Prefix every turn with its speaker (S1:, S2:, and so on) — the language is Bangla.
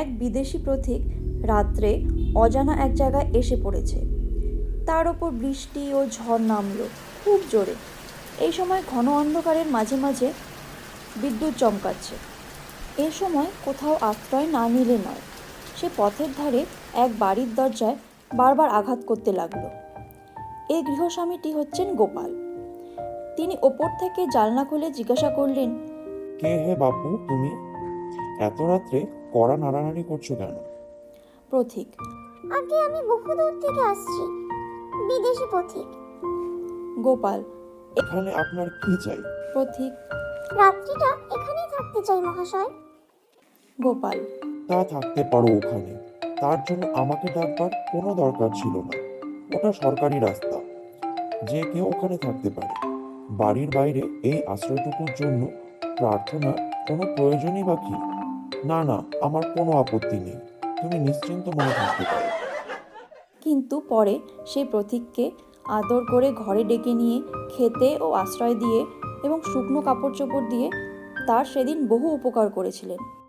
S1: এক বিদেশি পথিক রাত্রে অজানা এক জায়গায় এসে পড়েছে। তার ওপর বৃষ্টি ও ঝড় নামলো খুব জোরে। এই সময় ঘন অন্ধকারের মাঝে মাঝে বিদ্যুৎ চমকাচ্ছে। এ সময় কোথাও আশ্রয় না নিলে নয়। সে পথের ধারে এক বাড়ির দরজায় বারবার আঘাত করতে লাগলো। এই গৃহস্বামীটি হচ্ছেন গোপাল। তিনি ওপর থেকে জানলা খুলে জিজ্ঞাসা করলেন,
S2: কে হে বাপু তুমি? এত রাত্রে কড়া নাড়ানাড়ি করছো কেন?
S1: পথিক,
S3: আগে আমি বহু দূর থেকে আসছি, বিদেশি পথিক।
S1: গোপাল,
S2: এখানে আপনার কি চাই?
S1: পথিক,
S3: রাত্রিটা এখানেই থাকতে চাই মহাশয়।
S1: গোপাল,
S2: তা থাকতে পারো ওখানে, তার জন্য আমাকে ডাকবার কোনো দরকার ছিল না। ওটা সরকারি রাস্তা, যে কেউ ওখানে থাকতে পারে। বাড়ির বাইরে এই আশ্রয়টুকুর জন্য প্রার্থনা কোনো প্রয়োজনই বা কি? না না, আমার কোনো আপত্তি নেই, তুমি নিশ্চিন্ত মনে থাকতে পারো।
S1: কিন্তু পরে সেই পথিককে আদর করে ঘরে ডেকে নিয়ে খেতে ও আশ্রয় দিয়ে এবং শুকনো কাপড় চোপড় দিয়ে তার সেদিন বহু উপকার করেছিলেন।